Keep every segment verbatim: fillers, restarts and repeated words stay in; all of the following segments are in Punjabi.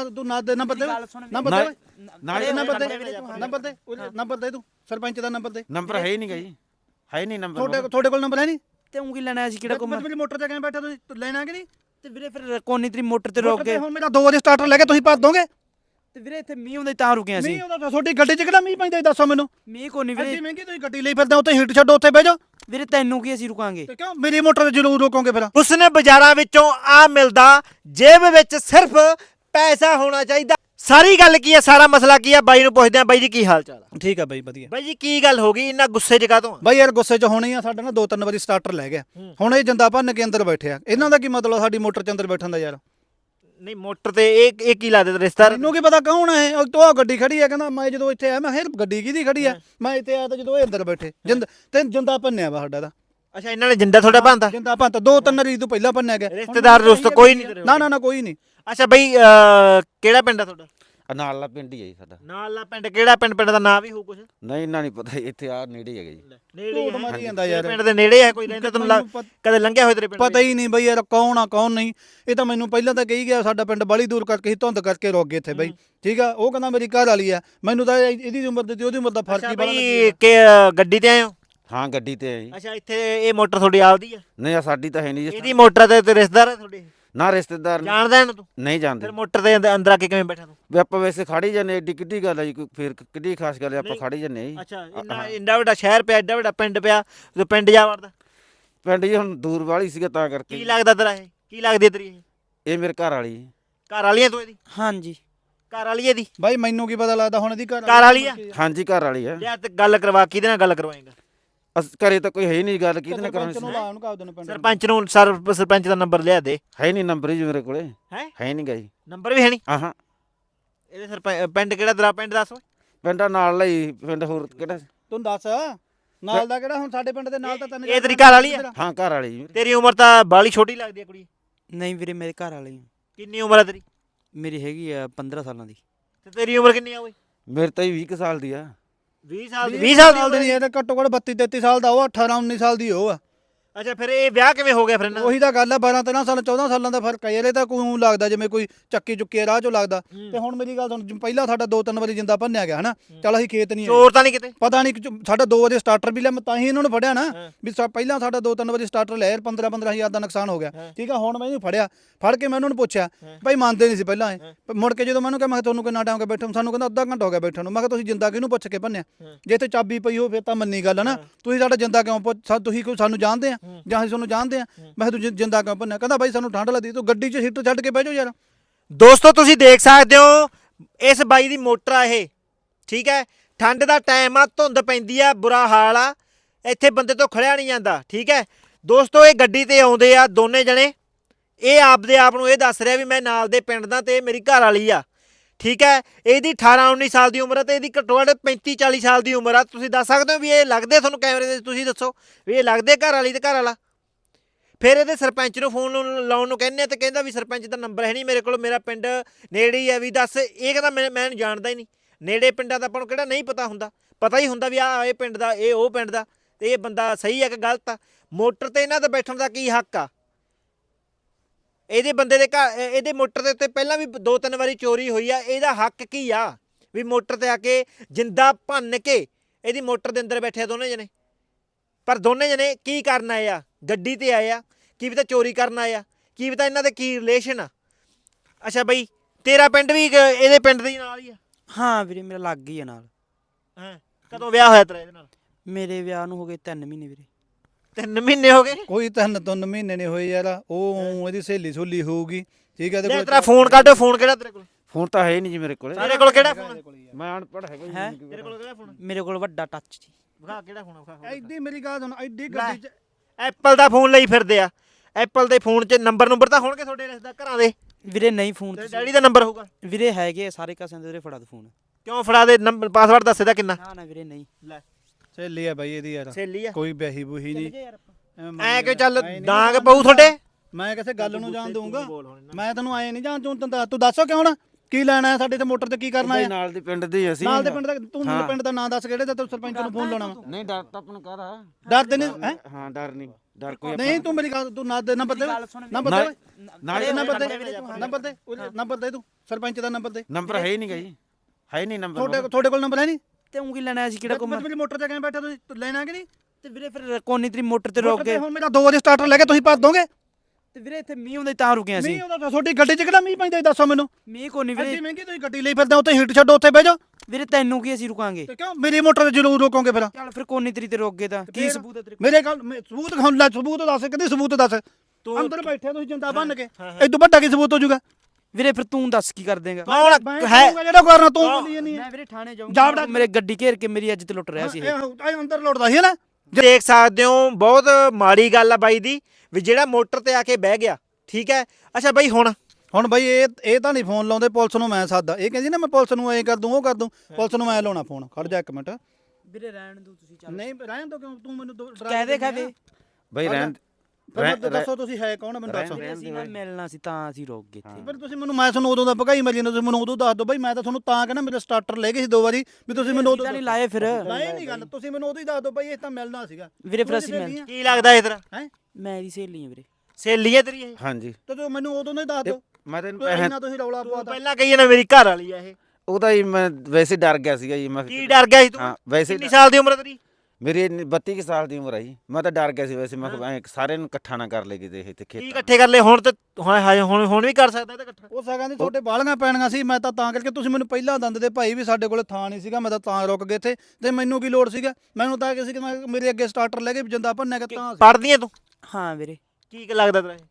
ਤੂੰ ਨਾ ਦੇ ਨੰਬਰ ਦੇ ਨੰਬਰ ਦੇ ਨਾਲੇ ਨੰਬਰ ਦੇ ਨੰਬਰ ਦੇ ਨੰਬਰ ਦੇ ਤੂੰ ਸਰਪੰਚ ਦਾ ਨੰਬਰ ਦੇ ਨੰਬਰ ਹੈ ਹੀ ਨਹੀਂ ਗਾ ਜੀ ਹੈ ਨਹੀਂ ਨੰਬਰ ਤੁਹਾਡੇ ਤੁਹਾਡੇ ਕੋਲ ਨੰਬਰ ਹੈ ਨਹੀਂ ਤੇ ਉਂਗੀ ਲੈਣਾ ਸੀ ਕਿਹੜਾ ਕੋਮ ਮੇਰੀ ਮੋਟਰ ਤੇ ਕਿਵੇਂ ਬੈਠਾ ਤੁਸੀਂ ਲੈਣਾ ਕਿ ਨਹੀਂ ਤੇ ਵੀਰੇ ਫਿਰ ਕੋਨੀ ਤੇਰੀ ਮੋਟਰ ਤੇ ਰੋਕ ਕੇ ਹੁਣ ਮੇਰਾ ਦੋ ਵਜੇ ਸਟਾਰਟਰ ਲੈ ਕੇ ਤੁਸੀਂ ਭਰ ਦੋਗੇ ਤੇ ਵੀਰੇ ਇੱਥੇ ਮੀਂਹ ਹੁੰਦਾ ਤਾਂ ਰੁਕੇ ਅਸੀਂ ਮੀਂਹ ਹੁੰਦਾ ਤੁਹਾਡੀ ਗੱਡੀ 'ਚ ਕਿਹੜਾ ਮੀਂਹ ਪੈਂਦਾ ਦੱਸੋ ਮੈਨੂੰ ਮੀਂਹ ਕੋਨੀ ਵੀਰੇ ਐਡੀ ਮਹਿੰਗੀ ਤੁਸੀਂ ਗੱਡੀ ਲਈ ਫਿਰਦੇ ਉੱਥੇ ਹੀਟ ਛੱਡੋ ਉੱਥੇ ਬਹਿ ਜਾਓ ਵੀਰੇ ਤੈਨੂੰ ਕੀ ਅਸੀਂ ਰੁਕਾਂਗੇ ਤੇ ਕਿਉਂ ਮੇਰੀ ਮੋਟਰ ਤੇ ਜ਼ਰੂਰ ਰੋਕੋਗੇ ਫਿਰ ਉਸਨੇ ਬਾਜ਼ਾਰਾਂ ਵਿੱਚੋਂ ਆ ਮਿਲਦਾ ਜੇਬ ਵਿੱਚ ਸਿਰਫ ਪੈਸਾ ਹੋਣਾ ਚਾਹੀਦਾ। ਸਾਰੀ ਗੱਲ ਕੀ ਹੈ, ਸਾਰਾ ਮਸਲਾ ਕੀ ਹੈ, ਬਾਈ ਨੂੰ ਪੁੱਛਦੇ ਆ। ਬਾਈ ਜੀ ਕੀ ਹਾਲ ਚਾਲ ਆ? ਠੀਕ ਆ ਬਾਈ ਵਧੀਆ ਬਾਈ ਜੀ ਕੀ ਗੱਲ ਹੋ ਗਈ, ਇੰਨਾ ਗੁੱਸੇ ਚ ਕਾਹਤੋਂ? ਬਾਈ ਯਾਰ ਗੁੱਸੇ 'ਚ ਹੋਣੀ ਆ ਸਾਡਾ ਨਾ ਦੋ ਤਿੰਨ ਵਾਰੀ ਸਟਾਰਟਰ ਲੈ ਗਿਆ ਹੁਣ ਇਹ ਜੰਦਾ ਭੰਨ ਕੇ ਅੰਦਰ ਬੈਠਿਆ ਇਹਨਾਂ ਦਾ ਕੀ ਮਤਲਬ ਸਾਡੀ ਮੋਟਰ 'ਚ ਅੰਦਰ ਬੈਠਣ ਦਾ ਯਾਰ ਨਹੀਂ ਮੋਟਰ ਤੇ ਇਹ ਇਹ ਕੀ ਲਾ ਦੇ ਰਿਸ਼ਤਾ? ਮੈਨੂੰ ਕੀ ਪਤਾ ਕੌਣ ਹੈ ਉਹ ਤੋਂ ਗੱਡੀ ਖੜੀ ਹੈ ਕਹਿੰਦਾ ਮੈਂ ਜਦੋਂ ਇੱਥੇ ਆਇਆ ਮੈਂ ਕਿਹਾ ਗੱਡੀ ਕਿਹਦੀ ਖੜੀ ਹੈ ਮੈਂ ਇੱਥੇ ਆਇਆ ਤਾਂ ਜਦੋਂ ਇਹ ਅੰਦਰ ਬੈਠੇ ਜਿੰਦ ਤੇ ਜੰਦਾ ਭੰਨਿਆ ਵਾ ਸਾਡਾ ਦਾ ਅੱਛਾ ਇਹਨਾਂ ਨੇ ਜਿੰਦਾ ਤੁਹਾਡਾ ਭੰਨਤਾ? ਜਿੰਦਾ ਭੰਨਤਾ ਦੋ ਤਿੰਨ ਰੀ ਤੋਂ ਪਹਿਲਾਂ ਭੰਨਿਆ ਗਿਆ ਰਿਸ਼ਤੇਦਾਰ ਦੋਸਤ ਕੋਈ ਨਹੀਂ? ਨਾ ਨਾ ਨਾ ਕੋਈ ਨਹੀਂ। ਅੱਛਾ ਬਈ ਕਿਹੜਾ ਪਿੰਡ ਆ ਤੁਹਾਡਾ? ਨਾਲ ਵਾਲਾ ਪਿੰਡ ਹੀ ਹੈ ਜੀ ਸਾਡਾ। ਨਾਲ ਦਾ ਪਿੰਡ ਕਿਹੜਾ ਪਿੰਡ? ਪਿੰਡ ਦਾ ਨਾਂ ਵੀ ਹੋਊ ਕੁਝ? ਨਹੀਂ ਇੰਨਾ ਨਹੀਂ ਪਤਾ ਇੱਥੇ ਆ ਨੇੜੇ ਹੈਗਾ ਜੀ। ਨੇੜੇ ਝੂਠ ਮਾਰੀ ਜਾਂਦਾ ਯਾਰ ਪਿੰਡ ਦੇ ਨੇੜੇ ਹੈ ਕੋਈ ਰਹਿੰਦਾ ਤੁਹਾਨੂੰ ਕਦੇ ਲੰਘਿਆ ਹੋਇਆ ਤੇਰੇ ਪਿੰਡ? ਪਤਾ ਹੀ ਨਹੀਂ ਬਈ ਯਾਰ ਕੌਣ ਆ ਕੌਣ ਨਹੀਂ ਇਹ ਤਾਂ ਮੈਨੂੰ ਪਹਿਲਾਂ ਤਾਂ ਕਹੀ ਗਿਆ ਸਾਡਾ ਪਿੰਡ ਬੜੀ ਦੂਰ ਕਰਕੇ ਹੀ ਧੁੰਦ ਕਰਕੇ ਰੁਕ ਗਏ ਇੱਥੇ ਬਈ ਠੀਕ ਆ ਉਹ ਕਹਿੰਦਾ ਮੇਰੀ ਘਰ ਵਾਲੀ ਆ ਮੈਨੂੰ ਤਾਂ ਇਹਦੀ ਉਮਰ ਤੇ ਉਹਦੀ ਉਮਰ ਦਾ ਫਰਕ ਹੀ ਬੜਾ ਬਈ ਕਿ ਗੱਡੀ ਤੇ ਆਏ ਹੋ? ਹਾਂ ਗੱਡੀ ਤੇ ਹੈ ਜੀ। ਅੱਛਾ ਇੱਥੇ ਇਹ ਮੋਟਰ ਤੁਹਾਡੀ ਆਪਦੀ ਆ? ਨਹੀਂ ਆ ਸਾਡੀ ਤਾਂ ਹੈ ਨਹੀਂ ਜੀ। ਇਹਦੀ ਮੋਟਰ ਤੇ ਤੇ ਰਿਸ਼ਤੇਦਾਰ ਹੈ ਤੁਹਾਡੇ? ਨਾ ਰਿਸ਼ਤੇਦਾਰ ਜਾਣਦਾ ਇਹਨੂੰ ਤੂੰ? ਨਹੀਂ ਜਾਣਦੇ। ਫਿਰ ਮੋਟਰ ਦੇ ਅੰਦਰ ਆ ਕੇ ਕਿਵੇਂ ਬੈਠਾ ਤੂੰ? ਵੀ ਆਪਾਂ ਵੈਸੇ ਖੜੀ ਜਾਂਦੇ ਏਡੀ ਕਿੱਡੀ ਗੱਲ ਹੈ ਜੀ ਕੋਈ ਫਿਰ ਕਿੱਡੀ ਖਾਸ ਗੱਲ ਹੈ ਆਪਾਂ ਖੜੀ ਜਾਂਦੇ ਜੀ। ਅੱਛਾ ਇੰਨਾ ਇੰਨਾ ਵੱਡਾ ਸ਼ਹਿਰ ਪਿਆ ਏਡਾ ਵੱਡਾ ਪਿੰਡ ਪਿਆ ਤੇ ਪਿੰਡ ਜਾ ਵੜਦਾ? ਪਿੰਡ ਜੀ ਹੁਣ ਦੂਰ ਵਾਲੀ ਸੀਗਾ ਤਾਂ ਕਰਕੇ। ਕੀ ਲੱਗਦਾ ਤੇਰਾ ਇਹ? ਕੀ ਲੱਗਦੀ ਤੇਰੀ ਇਹ? ਇਹ ਮੇਰੇ ਘਰ ਵਾਲੀ ਜੀ। ਘਰ ਵਾਲੀ ਹੈ ਤੂੰ ਇਹਦੀ? ਹਾਂਜੀ ਘਰ ਵਾਲੀ ਇਹਦੀ? ਬਾਈ ਮੈਨੂੰ ਕੀ ਪਤਾ ਲੱਗਦਾ ਹੁਣ ਇਹਦੀ ਘਰ ਘਰ ਵਾਲੀ ਆ? ਹਾਂਜੀ ਘਰ ਵਾਲੀ ਹੈ। ਲਿਆ ਤੇ ਗੱਲ ਕਰਵਾ ਕਿਹਦੇ ਨਾਲ ਗੱਲ ਕਰਵਾਏਗਾ? ਅਸ ਘਰੇ ਤਾਂ ਕੋਈ ਹੈ ਹੀ ਨਹੀਂ ਗੱਲ ਕਿਹਦੇ ਨਾਲ ਕਰਾਂਗੇ। ਸਰਪੰਚ ਨੂੰ ਸਰ ਸਰਪੰਚ ਦਾ ਨੰਬਰ ਲਿਆ ਦੇ। ਹੈ ਨਹੀਂ ਨੰਬਰ ਜੀ ਮੇਰੇ ਕੋਲੇ ਹੈ ਹੈ ਨਹੀਂ ਗਾ ਜੀ। ਨੰਬਰ ਵੀ ਹੈ ਨਹੀਂ? ਹਾਂ ਹਾਂ ਇਹਦੇ ਸਰਪੰਚ ਪਿੰਡ ਕਿਹੜਾ ਤੇਰਾ? ਪਿੰਡ ਦੱਸ ਓਏ। ਪਿੰਡਾਂ ਨਾਲ ਲਈ ਪਿੰਡ ਹੋਰ ਕਿਹੜਾ? ਤੂੰ ਦੱਸ ਨਾਲ ਦਾ ਕਿਹੜਾ ਹੁਣ ਸਾਡੇ ਪਿੰਡ ਦੇ ਨਾਲ ਤਾਂ ਤੈਨੂੰ ਇਹ ਤੇਰੀ ਘਰ ਵਾਲੀ ਆ? ਹਾਂ ਘਰ ਵਾਲੀ ਜੀ। ਤੇਰੀ ਉਮਰ ਤਾਂ ਬਾਲੀ ਛੋਟੀ ਲੱਗਦੀ ਹੈ ਕੁੜੀ। ਨਹੀਂ ਵੀਰੇ ਮੇਰੇ ਘਰ ਵਾਲੇ ਕਿੰਨੀ ਉਮਰ ਹੈ ਤੇਰੀ? ਮੇਰੀ ਹੈਗੀ ਆ ਪੰਦਰਾਂ ਸਾਲਾਂ ਦੀ। ਤੇ ਤੇਰੀ ਉਮਰ ਕਿੰਨੀ ਆ ਓਏ? ਮੇਰੇ ਤਾਂ ਵੀਹ ਕੁ ਸਾਲ ਦੀ ਆ। ਵੀਹ ਸਾਲ ਦੀ? ਵੀਹ ਸਾਲ ਦੀ ਨਹੀਂ ਇਹ ਤਾਂ ਘੱਟੋ ਘੱਟ ਬੱਤੀ ਤੇਤੀ ਸਾਲ ਦਾ ਉਹ ਅਠਾਰਾਂ ਉੱਨੀ ਸਾਲ ਦੀ ਉਹ ਆ। ਅੱਛਾ ਫਿਰ ਇਹ ਵਿਆਹ ਕਿਵੇਂ ਹੋ ਗਿਆ ਫਿਰ ਇਹਨਾਂ ਦਾ? ਉਹੀ ਤਾਂ ਗੱਲ ਆ ਬਾਰਾਂ ਤੇਰਾਂ ਸਾਲ ਚੌਦਾਂ ਸਾਲਾਂ ਦਾ ਫਰਕ ਹੈ ਯਾਰ ਇਹ ਤਾਂ ਕੋਈ ਲੱਗਦਾ ਜਿਵੇਂ ਕੋਈ ਚੱਕੀ ਚੁੱਕੀ ਰਾਹ ਚੋਂ ਲੱਗਦਾ ਤੇ ਹੁਣ ਮੇਰੀ ਗੱਲ ਸੁਣ ਪਹਿਲਾਂ ਸਾਡਾ ਦੋ ਤਿੰਨ ਵਾਰੀ ਜਿੰਦਾ ਭੰਨਿਆ ਗਿਆ ਹਨਾ ਚੱਲ ਅਸੀਂ ਖੇਤ ਨਹੀਂ ਚੋਰ ਤਾਂ ਨਹੀਂ ਕਿਤੇ? ਪਤਾ ਨਹੀਂ ਸਾਡਾ ਦੋ ਵਜੇ ਸਟਾਰਟਰ ਵੀ ਲਿਆ ਮੈਂ ਤਾਂ ਹੀ ਇਹਨਾਂ ਨੂੰ ਫੜਿਆ ਨਾ ਵੀ ਪਹਿਲਾਂ ਸਾਡਾ ਦੋ ਤਿੰਨ ਵਜੇ ਸਟਾਰਟਰ ਲਿਆ ਪੰਦਰਾਂ ਪੰਦਰਾਂ ਹਜ਼ਾਰ ਦਾ ਨੁਕਸਾਨ ਹੋ ਗਿਆ ਠੀਕ ਆ। ਹੁਣ ਮੈਂ ਇਹਨੂੰ ਫੜਿਆ ਫੜ ਕੇ ਮੈਂ ਉਹਨਾਂ ਨੂੰ ਪੁੱਛਿਆ ਭਾਈ ਮੰਨਦੇ ਨਹੀਂ ਸੀ ਪਹਿਲਾਂ ਇਹ ਮੁੜ ਕੇ ਜਦੋਂ ਮੈਨੂੰ ਕਿਹਾ ਮੈਂ ਤੁਹਾਨੂੰ ਕਿੰਨਾ ਟਾਈਮ ਹੋ ਗਿਆ ਬੈਠੇ ਸਾਨੂੰ ਕਹਿੰਦਾ ਅੱਧਾ ਘੰਟਾ ਹੋ ਗਿਆ ਬੈਠਣ ਨੂੰ। ਮੈਂ ਕਿਹਾ ਤੁਸੀਂ ਜਿੰਦਾ ਕਿਹਨੂੰ ਪੁੱਛ ਕੇ ਭੰਨਿਆ ਜੇ ਇੱਥੇ ਚਾਬੀ ਪਈ ਹੋ ਫਿਰ ਤਾਂ ਮੰਨੀ ਗੱਲ ਨਾ ਤੁਸੀਂ ਸਾਡਾ ਜਿੰਦਾ ਕਿਉਂ ਪੁੱਛ ਤੁਸੀਂ ਕੋਈ ਸਾਨੂੰ ਜਾਣਦੇ ਆ ਜਾਂ ਅਸੀਂ ਤੁਹਾਨੂੰ ਜਾਣਦੇ ਆ ਮੈਂ ਤੂੰ ਜਿੰਦਾ ਕਿਉਂ ਭੰਨਿਆ? ਕਹਿੰਦਾ ਬਾਈ ਸਾਨੂੰ ਠੰਡ ਲੱਗਦੀ ਤੂੰ ਗੱਡੀ 'ਚ ਸੀਟ ਛੱਡ ਕੇ ਬਹਿ ਜਾਓ ਯਾਰ। ਦੋਸਤੋ ਤੁਸੀਂ ਦੇਖ ਸਕਦੇ ਹੋ ਇਸ ਬਾਈ ਦੀ ਮੋਟਰ ਆ ਇਹ ਠੀਕ ਹੈ। ਠੰਡ ਦਾ ਟਾਈਮ ਆ ਧੁੰਦ ਪੈਂਦੀ ਆ ਬੁਰਾ ਹਾਲ ਆ ਇੱਥੇ ਬੰਦੇ ਤੋਂ ਖੜਿਆ ਨਹੀਂ ਜਾਂਦਾ ਠੀਕ ਹੈ ਦੋਸਤੋ। ਇਹ ਗੱਡੀ ਤੇ ਆਉਂਦੇ ਆ ਦੋਨੇ ਜਣੇ। ਇਹ ਆਪਦੇ ਆਪ ਨੂੰ ਇਹ ਦੱਸ ਰਿਹਾ ਵੀ ਮੈਂ ਨਾਲ ਦੇ ਪਿੰਡ ਦਾ ਤੇ ਮੇਰੀ ਘਰ ਵਾਲੀ ਆ ਠੀਕ ਹੈ। ਇਹਦੀ ਅਠਾਰਾਂ ਉੱਨੀ ਸਾਲ ਦੀ ਉਮਰ ਆ ਤੇ ਇਹਦੀ ਘੱਟੋ ਘੱਟ ਪੈਂਤੀ ਚਾਲੀ ਸਾਲ ਦੀ ਉਮਰ ਆ। ਤੁਸੀਂ ਦੱਸ ਸਕਦੇ ਹੋ ਵੀ ਇਹ ਲੱਗਦੇ ਤੁਹਾਨੂੰ ਕੈਮਰੇ ਦੇ? ਤੁਸੀਂ ਦੱਸੋ ਵੀ ਇਹ ਲੱਗਦੇ ਘਰ ਵਾਲੀ ਤੇ ਘਰ ਵਾਲਾ? ਫਿਰ ਇਹਦੇ ਸਰਪੰਚ ਨੂੰ ਫੋਨ ਲਾਉਣ ਨੂੰ ਕਹਿੰਦੇ ਤੇ ਕਹਿੰਦਾ ਵੀ ਸਰਪੰਚ ਦਾ ਨੰਬਰ ਹੈ ਨਹੀਂ ਮੇਰੇ ਕੋਲ ਮੇਰਾ ਪਿੰਡ ਨੇੜੇ ਹੀ ਆ ਵੀ ਦੱਸ। ਇਹ ਕਹਿੰਦਾ ਮੈਂ ਮੈਂ ਜਾਣਦਾ ਹੀ ਨਹੀਂ। ਨੇੜੇ ਪਿੰਡਾਂ ਦਾ ਆਪਾਂ ਨੂੰ ਕਿਹੜਾ ਨਹੀਂ ਪਤਾ ਹੁੰਦਾ? ਪਤਾ ਹੀ ਹੁੰਦਾ ਵੀ ਆਹ ਇਹ ਪਿੰਡ ਦਾ ਇਹ ਉਹ ਪਿੰਡ ਦਾ ਤੇ ਇਹ ਬੰਦਾ ਸਹੀ ਹੈ ਕਿ ਗਲਤ ਆ? ਮੋਟਰ ਤੇ ਇਹਨਾਂ ਦਾ ਬੈਠਣ ਦਾ ਕੀ ਹੱਕ ਆ? ਇਹਦੇ ਬੰਦੇ ਦੇ ਘਰ ਇਹਦੇ ਮੋਟਰ ਦੇ ਉੱਤੇ ਪਹਿਲਾਂ ਵੀ ਦੋ ਤਿੰਨ ਵਾਰੀ ਚੋਰੀ ਹੋਈ ਆ। ਇਹਦਾ ਹੱਕ ਕੀ ਆ ਵੀ ਮੋਟਰ ਤੇ ਆ ਕੇ ਜਿੰਦਾ ਭੰਨ ਕੇ ਇਹਦੀ ਮੋਟਰ ਦੇ ਅੰਦਰ ਬੈਠੇ ਦੋਨੇ ਜਣੇ? ਪਰ ਦੋਨੇ ਜਣੇ ਕੀ ਕਰਨ ਆਏ ਆ? ਗੱਡੀ ਤੇ ਆਏ ਆ ਕੀ ਪਤਾ ਚੋਰੀ ਕਰਨ ਆਏ ਆ ਕੀ ਪਤਾ ਇਹਨਾਂ ਦੇ ਕੀ ਰਿਲੇਸ਼ਨ ਆ? ਅੱਛਾ ਬਈ ਤੇਰਾ ਪਿੰਡ ਵੀ ਇਹਦੇ ਪਿੰਡ ਦੇ ਨਾਲ ਹੀ ਆ? ਹਾਂ ਵੀਰੇ ਮੇਰਾ ਲੱਗ ਹੀ ਆ ਨਾਲ। ਹਾਂ ਕਦੋਂ ਵਿਆਹ ਹੋਇਆ ਤੇਰਾ ਇਹਦੇ ਨਾਲ? ਮੇਰੇ ਵਿਆਹ ਨੂੰ ਹੋ ਗਏ ਤਿੰਨ ਮਹੀਨੇ ਵੀਰੇ। ਤਿੰਨ ਮਹੀਨੇ ਹੋ ਗਏ? ਕੋਈ ਤਿੰਨ ਤਿੰਨ ਮਹੀਨੇ ਨਹੀਂ ਹੋਏ ਯਾਰ ਉਹ ਇਹਦੀ ਸਹੇਲੀ ਸੁਲੀ ਹੋਊਗੀ ਠੀਕ ਹੈ। ਤੇਰਾ ਫੋਨ ਕੱਢ। ਫੋਨ ਕਿਹੜਾ ਤੇਰੇ ਕੋਲ? ਫੋਨ ਤਾਂ ਹੈ ਨਹੀਂ ਜੀ ਮੇਰੇ ਕੋਲੇ। ਤੇਰੇ ਕੋਲ ਕਿਹੜਾ ਫੋਨ? ਮੈਂ ਅਨਪੜ੍ਹ ਹੈਗਾ ਜੀ। ਤੇਰੇ ਕੋਲ ਕਿਹੜਾ ਫੋਨ? ਮੇਰੇ ਕੋਲ ਵੱਡਾ ਟੱਚ ਜੀ। ਵਿਖਾ ਕਿਹੜਾ ਫੋਨ? ਵਿਖਾ ਐਡੀ ਮੇਰੀ ਗੱਲ ਸੁਣ ਐਡੀ ਗੱਡੀ 'ਚ ਐਪਲ ਦਾ ਫੋਨ ਲਈ ਫਿਰਦੇ ਆ। ਐਪਲ ਦੇ ਫੋਨ 'ਚ ਨੰਬਰ ਨੰਬਰ ਤਾਂ ਹੋਣਗੇ ਤੁਹਾਡੇ ਰਿਸ਼ਤੇਦਾਰ ਘਰਾਂ ਦੇ? ਵੀਰੇ ਨਹੀਂ ਫੋਨ ਤੇਰੇ ਡੈਡੀ ਦਾ ਨੰਬਰ ਹੋਊਗਾ? ਵੀਰੇ ਹੈਗੇ ਸਾਰੇ ਕਾਸਿਆਂ ਦੇ ਵੀਰੇ। ਫੜਾ ਦੇ ਫੋਨ। ਕਿਉਂ ਫੜਾ ਦੇ? ਨੰਬਰ ਪਾਸਵਰਡ ਦੱਸ ਇਹਦਾ ਕਿੰਨਾ? ਨਾ ਨਾ ਵੀਰੇ ਨਹੀਂ। ਲੈ ਸਹੇਲੀ ਆ ਬਾਈ ਇਹਦੀ ਯਾਰ ਸਹੇਲੀ ਆ ਕੋਈ ਵਿਆਹੀ ਬੂਹੀ ਨਹੀਂ ਐ ਕਿ ਚੱਲ ਡਾਂਗ ਪਊ ਤੁਹਾਡੇ? ਮੈਂ ਕਿਸੇ ਗੱਲ ਨੂੰ ਜਾਣ ਦਊਂਗਾ? ਮੈਂ ਤੈਨੂੰ ਆਏ ਨਹੀਂ ਜਾਣ ਤੂੰ ਤੂੰ ਦੱਸੋ ਕਿਉਂ ਨਾ ਕੀ ਲੈਣਾ ਹੈ ਸਾਡੇ ਤੇ ਮੋਟਰ ਤੇ ਕੀ ਕਰਨਾ ਬਈ ਹੈ ਨਾਲ ਦੇ ਪਿੰਡ ਦੇ ਹੀ ਅਸੀਂ ਨਾਲ ਦੇ ਪਿੰਡ ਦਾ ਤੂੰ ਮੈਨੂੰ ਹਾਂ। ਪਿੰਡ ਦਾ ਨਾਂ ਦੱਸ ਕਿਹੜੇ ਦਾ ਤੂੰ ਸਰਪੰਚ ਨੂੰ ਫੋਨ ਲਾਉਣਾ ਵਾ ਨਹੀਂ ਡਰ ਤਾਂ ਆਪਾਂ ਨੂੰ ਕਾਹਦਾ ਡਰਦੇ ਨੇ ਹੈ ਹਾਂ ਡਰ ਨਹੀਂ ਡਰ ਕੋਈ ਨਹੀਂ ਤੂੰ ਮੇਰੀ ਗੱਲ ਤੂੰ ਨਾ ਦੇ ਨੰਬਰ ਦੇ ਨੰਬਰ ਦੇ ਓਏ। ਨਾਲੇ ਨੰਬਰ ਦੇ ਨੰਬਰ ਦੇ ਉਹਦੇ ਨੰਬਰ ਦੇ ਤੂੰ ਸਰਪੰਚ ਦਾ ਨੰਬਰ ਦੇ ਨੰਬਰ ਹੈ ਹੀ ਨਹੀਂ ਗਾ ਜੀ ਹੈ ਹੀ ਨਹੀਂ ਨੰਬਰ ਤੁਹਾਡੇ ਤੁਹਾਡੇ ਕੋਲ ਨੰਬਰ ਹੈ ਨਹੀਂ ਤੇ ਉਂਗੀ ਲੈਣਾ ਸੀ ਕਿਹੜਾ ਵਿੱਚ ਮੇਰੀ ਮੋਟਰ ਤੇ ਕਿਵੇਂ ਬੈਠਾ ਤੁਸੀਂ ਤੂੰ ਲੈਣਾ ਕਿ ਨਹੀਂ ਤੇ ਵੀਰੇ ਫਿਰ ਕੋਨੀ ਤੇਰੀ ਮੋਟਰ ਤੇ ਰੋਕ ਕੇ ਹੁਣ ਮੇਰਾ ਦੋ ਵਜੇ ਸਟਾਰਟਰ ਲੈ ਕੇ ਤੁਸੀਂ ਭਰ ਦੋਗੇ ਤੇ ਵੀਰੇ ਇੱਥੇ ਮੀਂਹ ਹੁੰਦਾ ਤਾਂ ਰੁਕੇ ਅਸੀਂ ਮੀਂਹ ਉਹਦਾ ਤੁਹਾਡੀ ਗੱਡੀ 'ਚ ਕਿਹੜਾ ਮੀਂਹ ਪੈਂਦਾ ਦੱਸੋ ਮੈਨੂੰ ਮੀਂਹ ਕੋਨੀ ਵੀਰੇ ਐਡੀ ਮਹਿੰਗੀ ਤੁਸੀਂ ਗੱਡੀ ਲਈ ਫਿਰਦੇ ਉੱਥੇ ਹੀਟ ਛੱਡੋ ਉੱਥੇ ਬਹਿ ਜਾਓ ਵੀਰੇ ਤੈਨੂੰ ਕੀ ਅਸੀਂ ਰੁਕਾਂਗੇ ਤੇ ਕਿਉਂ ਮੇਰੀ ਮੋਟਰ ਤੇ ਜ਼ਰੂਰ ਰੋਕੋਗੇ ਫਿਰ ਚੱਲ ਫਿਰ ਕੋਨੀ ਤੇਰੀ ਤੇ ਰੋਕ ਗਏ ਤਾਂ ਕੀ ਸਬੂਤ ਹੈ ਤੇਰੇ ਮੇਰੇ ਗੱਲ ਮੇ- ਸਬੂਤ ਖਾਣ ਲੈ ਸਬੂਤ ਦੱਸ ਕਿਹਦੀ ਸਬੂਤ ਦੱਸ ਤੂੰ ਅੰਦਰ ਬੈਠੇ ਤੁਸੀਂ ਜਿੰਦਾ ਬੰਨ ਕੇ ਇਦੋਂ ਵੱਡਾ ਕੀ ਸਬੂਤ ਹੋ ਜਾਊਗਾ ਵੀਰੇ ਫਿਰ ਤੂੰ ਦੱਸ ਕੀ ਕਰ ਦੇਂਗਾ ਕੌਣ ਮੈਂ ਹੈ ਕਹੂੰਗਾ ਜਿਹੜਾ ਕਰਨਾ ਤੂੰ ਬੋਲੀ ਨਹੀਂ ਮੈਂ ਵੀਰੇ ਥਾਣੇ ਜਾ ਜਾਊਂਗਾ ਵੜਾ। ਮੇਰੇ ਗੱਡੀ ਘੇਰ ਕੇ ਮੇਰੀ ਇੱਜ਼ਤ ਲੁੱਟ ਰਿਹਾ ਸੀ ਇਹ ਇਹ ਅੰਦਰ ਲੋੜਦਾ ਸੀ ਨਾ ਦੇਖ ਸਕਦੇ ਹੋ ਬਹੁਤ ਮਾੜੀ ਗੱਲ ਆ ਬਾਈ ਦੀ ਵੀ ਜਿਹੜਾ ਮੋਟਰ ਤੇ ਆ ਕੇ ਬਹਿ ਗਿਆ ਠੀਕ ਹੈ ਅੱਛਾ ਬਾਈ ਹੁਣ ਹੁਣ ਬਈ ਇਹ ਇਹ ਤਾਂ ਨਹੀਂ ਫੋਨ ਲਾਉਂਦੇ ਪੁਲਿਸ ਨੂੰ ਮੈਂ ਸਾਦਾ ਇਹ ਕਹਿੰਦੀ ਨਾ ਮੈਂ ਪੁਲਿਸ ਨੂੰ ਐ ਕਰ ਦੂੰ ਉਹ ਕਰ ਦੂੰ ਪੁਲਿਸ ਨੂੰ ਮੈਂ ਲਾਉਣਾ ਫੋਨ ਖੜ ਜਾ ਇੱਕ ਮਿੰਟ ਵੀਰੇ ਰਹਿਣ ਦੋ ਤੁਸੀਂ ਚੱਲ ਨਹੀਂ ਰਹਿਣ ਦੋ ਕਿਉਂ ਤੂੰ ਮੈਨੂੰ ਡਰਾ ਕਹਿ ਦੇ ਖਾਵੇ ਬਈ ਰਹਿਣ ਫਿਰ ਮੈਂ ਦੱਸੋ ਤੁਸੀਂ ਹੈ ਕੌਣ ਮੈਨੂੰ ਦੱਸੋ ਅਸੀਂ ਨਾ ਮਿਲਣਾ ਸੀ ਤਾਂ ਅਸੀਂ ਰੋਕ ਗਏ ਇੱਥੇ ਫਿਰ ਤੁਸੀਂ ਮੈਨੂੰ ਮੈਂ ਤੁਹਾਨੂੰ ਉਦੋਂ ਦਾ ਭਗਾਈ ਮਰੀ ਜਾਂਦਾ ਤੁਸੀਂ ਮੈਨੂੰ ਉਦੋਂ ਦੱਸ ਦਿਓ ਬਈ ਮੈਂ ਤਾਂ ਤੁਹਾਨੂੰ ਤਾਂ ਕਹਿੰਦਾ ਮੇਰਾ ਸਟਾਰਟਰ ਲੈ ਗਏ ਸੀ ਦੋ ਵਾਰੀ ਵੀ ਤੁਸੀਂ ਮੈਨੂੰ ਉਦੋਂ ਨਹੀਂ ਲਾਏ ਫਿਰ ਲਾਏ ਨਹੀਂ ਗੱਲ ਤੁਸੀਂ ਮੈਨੂੰ ਉਦੋਂ ਹੀ ਦੱਸ ਦਿਓ ਬਈ ਇਹ ਤਾਂ ਮਿਲਣਾ ਸੀਗਾ ਵੀਰੇ ਫਿਰ ਅਸੀਂ ਮਿਲ ਕੀ ਲੱਗਦਾ ਇਹ ਤੇਰਾ ਹੈ ਮੈਂ ਇਹਦੀ ਸਹੇਲੀ ਹਾਂ ਵੀਰੇ ਸਹੇਲੀ ਹੈ ਤੇਰੀ ਇਹ ਹਾਂਜੀ ਤੇ ਤੂੰ ਮੈਨੂੰ ਉਦੋਂ ਹੀ ਦੱਸ ਦਿਓ ਮੈਂ ਤੈਨੂੰ ਕੋਈ ਪੈਸੇ ਇੰਨਾ ਤੁਸੀਂ ਰੌਲਾ ਤੂੰ ਪਵਾਤਾ ਪਹਿਲਾਂ ਕਹੀ ਨਾ ਮੇਰੀ ਘਰ ਵਾਲੀ ਆ ਇਹ ਉਹਦਾ ਹੀ ਮੈਂ ਵੈਸੇ ਡਰ ਗਿਆ ਸੀਗਾ ਜੀ ਮੈਂ ਕੀ ਡਰ ਗਿਆ ਸੀ ਤੂੰ ਹਾਂ ਵੈਸੇ ਕਿੰਨੀ ਸਾਲ ਦੀ ਉਮਰ ਹੈ ਤੇਰੀ ਮੇਰੀ ਇੰਨੀ ਬੱਤੀ ਕੁ ਸਾਲ ਦੀ ਉਮਰ ਆ ਜੀ ਮੈਂ ਤਾਂ ਡਰ ਗਿਆ ਸੀ ਵੈਸੇ ਮੈਂ ਕਿਹਾ ਐਂ ਸਾਰਿਆਂ ਨੂੰ ਇਕੱਠਾ ਨਾ ਕਰ ਲੈ ਕਿਤੇ ਇਹ ਤੇ ਕੀ ਖੇਤ ਇਕੱਠੇ ਕਰ ਲਏ ਹੁਣ ਤੇ ਹੁਣ ਹਾਏ ਹੁਣ ਹੁਣ ਵੀ ਕਰ ਸਕਦਾ ਇਹ ਤਾਂ ਇਕੱਠਾ ਉਹ ਸਗਾਂ ਦੀ ਤੁਹਾਡੇ ਬਾਲੀਆਂ ਪੈਣੀਆਂ ਸੀ ਮੈਂ ਤਾਂ ਤਾਂ ਕਰਕੇ ਤੁਸੀਂ ਮੈਨੂੰ ਪਹਿਲਾਂ ਦੰਦ ਦੇ ਭਾਈ ਵੀ ਸਾਡੇ ਕੋਲੇ ਥਾਂ ਨਹੀਂ ਸੀਗਾ ਮੈਂ ਤਾਂ ਤਾਂ ਰੁਕ ਗਏ ਇੱਥੇ ਤੇ ਮੈਨੂੰ ਕੀ ਲੋੜ ਸੀਗਾ ਮੈਨੂੰ ਤਾਂ ਕਿ ਸੀ ਕਿ ਮੈਂ ਮੇਰੇ ਅੱਗੇ ਸਟਾਰਟਰ ਲੈ ਕੇ ਜੰਦਾ ਭੰਨਿਆ ਕਿ ਤਾਂ ਸੀ। ਪੜ੍ਹਦੀ ਹੈ ਤੂੰ ਹਾਂ ਵੀਰੇ ਕੀ ਕੁ ਲੱਗਦਾ ਤੇਰਾ ਇਹ?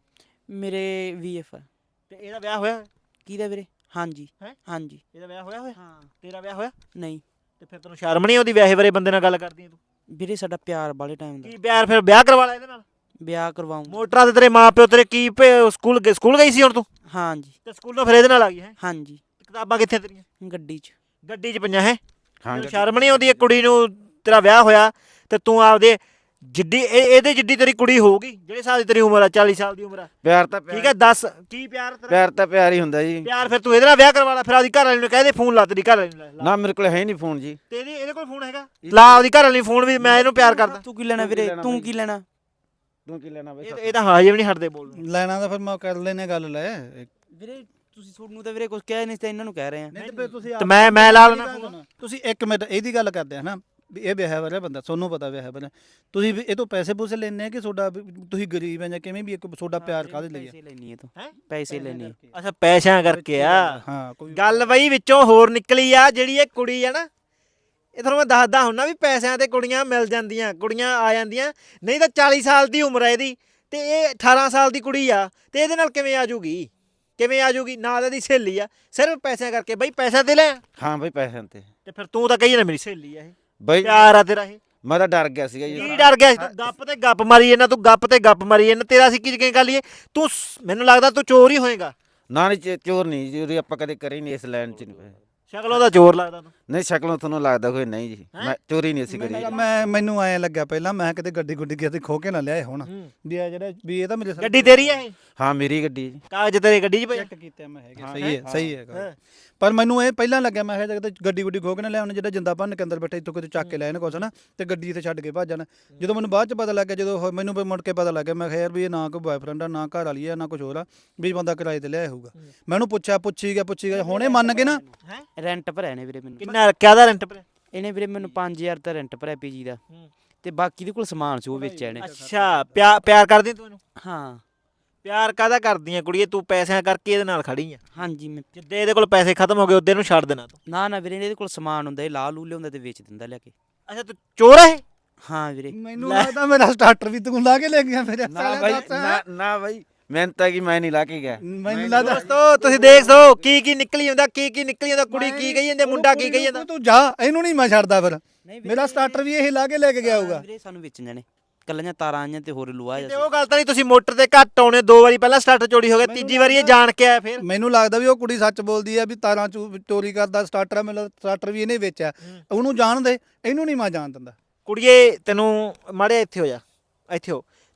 ਮੇਰੇ ਵੀਐਫ ਤੇ ਇਹਦਾ ਵਿਆਹ ਹੋਇਆ ਹੋਇਆ? ਕਿਹਦਾ ਵੀਰੇ ਹਾਂਜੀ ਹੈਂ? ਹਾਂਜੀ ਇਹਦਾ ਵਿਆਹ ਹੋਇਆ ਹੋਇਆ ਹਾਂ ਤੇਰਾ ਵਿਆਹ ਹੋਇਆ ਨਹੀਂ ਤੇ ਫਿਰ ਤੈਨੂੰ ਸ਼ਰਮ ਨਹੀਂ ਆਉਂਦੀ ਵਿਆਹੇ ਬਾਰੇ ਬੰਦੇ ਨਾਲ ਗੱਲ ਕਰਦੀ ਹੈ ਤੂੰ ਵੀਰੇ ਸਾਡਾ ਪਿਆਰ ਵਾਲੇ ਟਾਈਮ ਦਾ ਕੀ ਪਿਆਰ ਫਿਰ ਵਿਆਹ ਕਰਵਾ ਲੈ ਇਹਦੇ ਨਾਲ ਵਿਆਹ ਕਰਵਾਉਂ ਮੋਟਰਾਂ ਤੇ ਤੇਰੇ ਮਾਪਿਓ ਤੇਰੇ ਕੀ ਭੇ- ਸਕੂਲ ਗਏ- ਸਕੂਲ ਗਈ ਸੀ ਹੁਣ ਤੂੰ ਹਾਂਜੀ ਤੇ ਸਕੂਲੋਂ ਫਿਰ ਇਹਦੇ ਨਾਲ ਆ ਗਈ ਹੈ ਹਾਂਜੀ ਕਿਤਾਬਾਂ ਕਿੱਥੇ ਤੇਰੀਆਂ ਗੱਡੀ 'ਚ ਗੱਡੀ 'ਚ ਪਈਆਂ ਹੈ ਹਾਂ ਤੈਨੂੰ ਸ਼ਰਮ ਨਹੀਂ ਆਉਂਦੀ ਇਹ ਕੁੜੀ ਨੂੰ ਤੇਰਾ ਵਿਆਹ ਹੋਇਆ ਤੇ ਤੂੰ ਆਪਦੇ ਜਿੱਡੀ ਇਹ- ਇਹਦੇ ਜਿੱਡੀ ਤੇਰੀ ਕੁੜੀ ਹੋਊਗੀ ਜਿਹੜੇ ਸਾਲ ਦੀ ਤੇਰੀ ਉਮਰ ਆ ਚਾਲੀ ਸਾਲ ਦੀ ਉਮਰ ਆ ਪਿਆਰ ਤਾਂ ਠੀਕ ਹੈ ਦੱਸ ਕੀ ਪਿਆਰ ਤੇਰਾ ਪਿਆਰ ਤਾਂ ਪਿਆਰ ਹੀ ਹੁੰਦਾ ਜੀ ਪਿਆਰ ਫਿਰ ਤੂੰ ਇਹਦੇ ਨਾਲ ਵਿਆਹ ਕਰਵਾ ਲੈ ਫਿਰ ਆਪਦੀ ਘਰ ਵਾਲੀ ਨੂੰ ਕਹਿ ਦੇ ਫੋਨ ਲਾ ਤੇਰੀ ਘਰ ਵਾਲੀ ਨੂੰ ਲੈ ਲਾ। ਨਾ ਮੇਰੇ ਕੋਲ ਹੈ ਨਹੀਂ ਫੋਨ ਜੀ ਤੇ ਇਹਦੀ ਇਹਦੇ ਕੋਲ ਫੋਨ ਹੈਗਾ ਲਾ ਆਪਦੀ ਘਰ ਵਾਲੀ ਨੂੰ ਫੋਨ ਵੀ ਮੈਂ ਇਹਨੂੰ ਪਿਆਰ ਕਰਦਾ ਤੂੰ ਕੀ ਲੈਣਾ ਵੀਰੇ ਲੈਣਾ ਤੂੰ ਬਾਈ? ਕੀ ਲੈਣਾ ਤੂੰ ਕੀ ਲੈਣਾ ਬਈ ਇਹ ਇਹ ਤਾਂ ਹਾਜੇ ਵੀ ਨਹੀਂ ਹਟਦੇ ਬੋਲਣ ਲੈਣਾ ਤਾਂ ਫਿਰ ਮੈਂ ਕਰ ਲੈਨੇ ਗੱਲ ਲੈ ਵੀਰੇ ਤੁਸੀਂ ਤੁਹਾਨੂੰ ਤਾਂ ਵੀਰੇ ਕੁਝ ਕਹਿ ਨਹੀਂ ਤੇ ਇਹਨਾਂ ਨੂੰ ਕਹਿ ਰਹੇ ਆ ਨਹੀਂ ਤੇ ਫਿਰ ਤੁਸੀਂ ਤੇ ਮੈਂ ਮੈਂ ਲਾ ਲੈਣਾ ਫੋਨ ਤੁਸੀਂ ਇੱਕ ਮਿੰਟ ਇਹਦੀ ਗੱਲ ਕਰਦੇ ਆ ਨਾ ਵੀ ਇਹ ਵਿਆਹ ਵਾਲਾ ਬੰਦਾ ਤੁਹਾਨੂੰ ਪਤਾ ਵਿਆਹ ਵਾਲਾ ਤੁਸੀਂ ਵੀ ਇਹ ਤੋਂ ਪੈਸੇ ਪੂਸੇ ਲੈਣੇ ਆ ਕਿ ਤੁਹਾਡਾ ਵੀ ਤੁਸੀਂ ਗਰੀਬ ਹੈ ਜਾਂ ਕਿਵੇਂ ਵੀ ਇੱਕ ਤੁਹਾਡਾ ਪਿਆਰ ਕਾਹਦੇ ਲਈ ਆ ਪੈਸੇ ਲੈਣੀ ਹੈ ਤੂੰ ਹੈਂ? ਪੈਸੇ ਲੈਣੇ ਆ। ਅੱਛਾ ਪੈਸਿਆਂ ਕਰਕੇ ਆ ਹਾਂ ਕੋਈ ਗੱਲ ਬਈ ਵਿੱਚੋਂ ਹੋਰ ਨਿਕਲੀ ਆ ਜਿਹੜੀ ਇਹ ਕੁੜੀ ਆ ਨਾ ਇਹ ਤੁਹਾਨੂੰ ਮੈਂ ਦੱਸਦਾ ਹੁੰਨਾ ਵੀ ਪੈਸਿਆਂ ਤੇ ਕੁੜੀਆਂ ਮਿਲ ਜਾਂਦੀਆਂ ਕੁੜੀਆਂ ਆ ਜਾਂਦੀਆਂ ਨਹੀਂ ਤਾਂ ਚਾਲੀ ਸਾਲ ਦੀ ਉਮਰ ਹੈ ਇਹਦੀ ਤੇ ਇਹ ਅਠਾਰਾਂ ਸਾਲ ਦੀ ਕੁੜੀ ਆ ਤੇ ਇਹਦੇ ਨਾਲ ਕਿਵੇਂ ਆ ਜੂਗੀ ਕਿਵੇਂ ਆ ਜੂਗੀ ਨਾਲ ਇਹਦੀ ਸਹੇਲੀ ਆ ਸਿਰਫ ਪੈਸਿਆਂ ਕਰਕੇ ਬਈ ਪੈਸਿਆਂ ਤੇ ਲੈ ਆ। ਹਾਂ ਬਈ ਪੈਸਿਆਂ ਤੇ ਤੇ ਫਿਰ ਤੂੰ ਤਾਂ ਕਹੀ ਨਾ ਮੇਰੀ ਸਹੇਲੀ ਆ ਇਹ ਬਈ ਪਿਆਰ ਆ ਤੇਰਾ ਇਹ ਮੈਂ ਤਾਂ ਡਰ ਗਿਆ ਸੀਗਾ ਜੀ ਕੀ ਡਰ ਗਿਆ ਸੀ ਤੂੰ ਗੱਪ ਤੇ ਗੱਪ ਮਾਰੀ ਇਹਨਾਂ ਤੂੰ ਗੱਪ ਤੇ ਗੱਪ ਮਾਰੀ ਇਹਨਾਂ ਤੇਰਾ ਸੀ ਕੀ ਗੱਲ ਇਹ ਤੂੰ ਸ- ਮੈਨੂੰ ਲੱਗਦਾ ਤੂੰ ਚੋਰ ਹੀ ਹੋਏਗਾ ਨਾ ਨਹੀਂ ਚ- ਚੋਰ ਨਹੀਂ ਜੀ ਉਰੇ ਆਪਾਂ ਕਦੇ ਕਰੇ ਨਹੀਂ ਇਸ ਲਾਈਨ ਚ ਨਹੀਂ ਪਏ। ਸ਼ਕਲੋਂ ਦਾ ਚੋਰ ਲੱਗਦਾ ਤੂੰ ਨਹੀਂ ਸ਼ਕਲੋਂ ਤੁਹਾਨੂੰ ਲੱਗਦਾ ਕੋਈ ਨਹੀਂ ਜੀ ਮੈਂ ਚੋਰੀ ਨਹੀਂ ਅਸੀਂ ਕਰੀ ਮੈਂ ਮੈਨੂੰ ਐ ਲੱਗਿਆ ਪਹਿਲਾਂ ਮੈਂ ਕਿਤੇ ਗੱਡੀ ਗੁੱਡੀ ਕਿਤੇ ਖੋ ਕੇ ਨਾ ਲਿਆਏ ਹੁਣ ਵੀ ਆ ਜਿਹੜਾ ਵੀ ਇਹ ਤਾਂ ਮੇਰੇ ਗੱਡੀ ਤੇਰੀ ਆ ਇਹ ਹਾਂ ਮੇਰੀ ਗੱਡੀ ਜੀ ਕਾਗਜ਼ ਤੇਰੇ ਗੱਡੀ 'ਚ ਪਏ ਚੈੱਕ ਕੀਤੇ ਮੈਂ ਹੈਗੇ ਸਹੀ ਹੈ ਸਹੀ ਹੈ ਪਰ ਮੈਨੂੰ ਇਹ ਪਹਿਲਾਂ ਲੱਗਿਆ ਮੈਂ ਕਿਹਾ ਜਦ ਗੱਡੀ ਗੁੱਡੀ ਖੋ ਕੇ ਨਾ ਲਿਆਉਣ ਜਿਹੜਾ ਜਿੰਦਾ ਭੰਨ ਕੇ ਅੰਦਰ ਬੈਠੇ ਇੱਥੋਂ ਕਿਤੇ ਚੱਕ ਕੇ ਲੈ ਇਹਨੇ ਕੁਛ ਨਾ ਤੇ ਗੱਡੀ ਇੱਥੇ ਛੱਡ ਕੇ ਭੱਜ ਜਾਣ ਜਦੋਂ ਮੈਨੂੰ ਬਾਅਦ ਚ ਪਤਾ ਲੱਗਿਆ ਜਦੋਂ ਉਹ- ਮੈਨੂੰ ਵੀ ਮੁੜ ਕੇ ਪਤਾ ਲੱਗਿਆ ਮੈਂ ਕਿਹਾ ਯਾਰ ਵੀ ਇਹ ਨਾ ਕੋਈ ਬॉयਫ੍ਰੈਂਡ ਆ ਨਾ ਘਰ ਵਾਲੀ ਆ ਨਾ ਕੁਝ ਹੋਰ ਆ ਵੀ ਬੰਦਾ ਕਿਰਾਏ ਤੇ ਲਿਆਇਆ ਹੋਊਗਾ ਮੈਨੂੰ ਪੁੱਛਿਆ ਪੁੱਛੀ ਗਿਆ ਪੁੱਛੀ ਗਿਆ ਹੁਣੇ ਮੰਨ ਕੇ ਨਾ ਹੈ ਰੈਂਟ ਭਰਿਆ ਨੇ ਵੀਰੇ ਮੈਨੂੰ ਕਿੰਨਾ ਕਿਆਦਾ ਰੈਂਟ ਪਰ ਇਹਨੇ ਵੀਰੇ ਮੈਨੂੰ ਪੰਜ ਹਜ਼ਾਰ ਦਾ ਰੈਂਟ ਭਰਿਆ ਪੀਜੀ ਦਾ ਤੇ ਬਾਕੀ ਦੇ ਕੋਲ ਸਮਾਨ ਸੀ ਉਹ ਵੇਚਿਆ ਇਹਨੇ ਅੱਛਾ ਪਿਆਰ ਪਿਆਰ ਕਰਦੀ ਤੂੰ ਇਹਨੂੰ ਹਾਂ ਪਿਆਰ ਕਾਹਦਾ ਕਰਦੀ ਆ ਕੁੜੀਏ ਤੂੰ ਪੈਸਿਆਂ ਕਰਕੇ ਇਹਦੇ ਨਾਲ ਖੜੀ ਆ ਹਾਂਜੀ ਮੈਂ ਜਿੱਦੇ ਇਹਦੇ ਕੋਲ ਪੈਸੇ ਖਤਮ ਹੋ ਗਏ ਉਹਦੇ ਨੂੰ ਛੱਡ ਦੇਣਾ ਤੂੰ ਨਾ ਨਾ ਵੀਰੇ ਇਹਦੇ ਕੋਲ ਸਮਾਨ ਹੁੰਦਾ ਇਹ ਲਾ ਲੂ ਲਿਆਉਂਦਾ ਤੇ ਵੇਚ ਦਿੰਦਾ ਲਿਆ ਕੇ ਅੱਛਾ ਤੂੰ ਚੋਰ ਹੈ ਹਾਂ ਵੀਰੇ ਮੈਨੂੰ ਲੱਗਦਾ ਮੇਰਾ ਸਟਾਰਟਰ ਵੀ ਤੂੰ ਲਾ ਕੇ ਲੈ ਗਿਆ ਮੇਰੇ ਨਾ ਬਾਈ ਨਾ ਨਾ ਬਾਈ ਮਿਹਨਤ ਹੈ ਕਿ ਮੈਂ ਨਹੀਂ ਲਾ ਕੇ ਗਿਆ ਮੈਨੂੰ ਲੱਗਦਾ ਦੋਸਤੋ ਤੁਸੀਂ ਦੇਖ ਸੋ ਕੀ ਕੀ ਨਿਕਲੀ ਜਾਂਦਾ ਕੀ ਕੀ ਨਿਕਲੀ ਜਾਂਦਾ ਕੁੜੀ ਕੀ ਕਹੀ ਜਾਂਦੀ ਮੁੰਡਾ ਕੀ ਕਹੀ ਜਾਂਦਾ ਤੂੰ ਜਾ ਇਹਨੂੰ ਨਹੀਂ ਮੈਂ ਛੱਡਦਾ ਫਿਰ ਮੇਰਾ ਸਟਾਰਟਰ ਵੀ ਇਹ ਲਾ ਕੇ ਲੈ ਕੇ ਗਿਆ ਹੋਊਗਾ ਵੀਰੇ ਸਾਨੂੰ ਵੇਚਣ ਜਾਣੇ ਕੱਲੀਆਂ ਤਾਰਾਂ ਆਈਆਂ ਤੇ ਹੋਰ ਲੁਆ ਤੇ ਉਹ ਗੱਲ ਤਾਂ ਨਹੀਂ ਤੁਸੀਂ ਮੋਟਰ ਤੇ ਘੱਟ ਆਉਣੇ ਦੋ ਵਾਰੀ ਪਹਿਲਾਂ ਸਟਾਰਟਰ ਚੋਰੀ ਹੋ ਗਿਆ ਤੀਜੀ ਵਾਰੀ ਇਹ ਜਾਣ ਕੇ ਆਇਆ ਫਿਰ ਮੈਨੂੰ ਲੱਗਦਾ ਵੀ ਉਹ ਕੁੜੀ ਸੱਚ ਬੋਲਦੀ ਆ ਵੀ ਤਾਰਾਂ ਚੂ- ਚੋਰੀ ਕਰਦਾ ਸਟਾਰਟਰ ਆ ਮੈਨੂੰ ਸਟਾਰਟਰ ਵੀ ਇਹਨੇ ਵੇਚਿਆ ਉਹਨੂੰ ਜਾਣ ਦੇ ਇਹਨੂੰ ਨਹੀਂ ਮੈਂ ਜਾਣ ਦਿੰਦਾ ਕੁੜੀਏ ਤੈਨੂੰ ਮਾੜੇ ਇੱਥੇ ਹੋ ਜਾ ਇੱਥੇ ਹੋ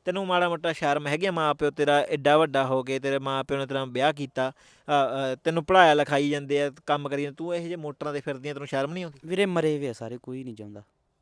ਤੈਨੂੰ ਮਾੜਾ ਮੋਟਾ ਸ਼ਰਮ ਹੈਗੀ ਆ? ਮਾਂ ਪਿਓ ਤੇਰਾ ਐਡਾ ਵੱਡਾ ਹੋ ਕੇ ਤੇਰੇ ਮਾਂ ਪਿਓ ਨੇ ਤੇਰਾ ਵਿਆਹ ਕੀਤਾ, ਅ, ਅ, ਤੈਨੂੰ ਪੜਾਇਆ ਲਿਖਾਈ ਜਾਂਦੇ ਆ, ਕੰਮ ਕਰੀ ਜਾਂਦੇ, ਤੂੰ ਇਹੋ ਜਿਹੇ ਮੋਟਰਾਂ ਤੇ ਫਿਰਦੀਆਂ, ਤੈਨੂੰ ਸ਼ਰਮ ਨਹੀਂ ਆਉਂਦੀ? ਵੀਰੇ ਮਰੇ ਵੇ ਆ ਸਾਰੇ, ਕੋਈ ਨਹੀਂ ਚਾਹੁੰਦਾ।